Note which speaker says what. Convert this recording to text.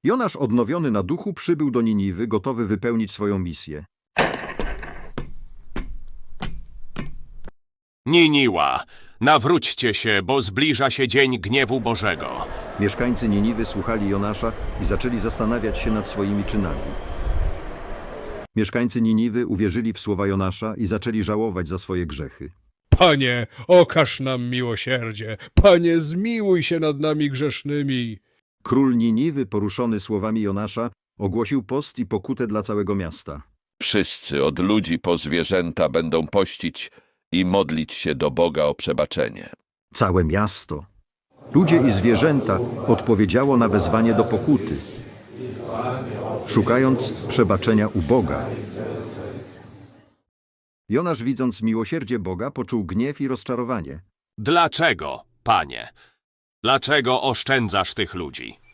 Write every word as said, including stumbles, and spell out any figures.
Speaker 1: Jonasz, odnowiony na duchu, przybył do Niniwy, gotowy wypełnić swoją misję.
Speaker 2: Niniła, nawróćcie się, bo zbliża się dzień gniewu Bożego.
Speaker 1: Mieszkańcy Niniwy słuchali Jonasza i zaczęli zastanawiać się nad swoimi czynami. Mieszkańcy Niniwy uwierzyli w słowa Jonasza i zaczęli żałować za swoje grzechy.
Speaker 3: Panie, okaż nam miłosierdzie. Panie, zmiłuj się nad nami grzesznymi.
Speaker 1: Król Niniwy, poruszony słowami Jonasza, ogłosił post i pokutę dla całego miasta.
Speaker 4: Wszyscy, od ludzi po zwierzęta, będą pościć i modlić się do Boga o przebaczenie.
Speaker 1: Całe miasto, ludzie i zwierzęta odpowiedziało na wezwanie do pokuty, szukając przebaczenia u Boga. Jonasz, widząc miłosierdzie Boga, poczuł gniew i rozczarowanie.
Speaker 2: Dlaczego, Panie? Dlaczego oszczędzasz tych ludzi?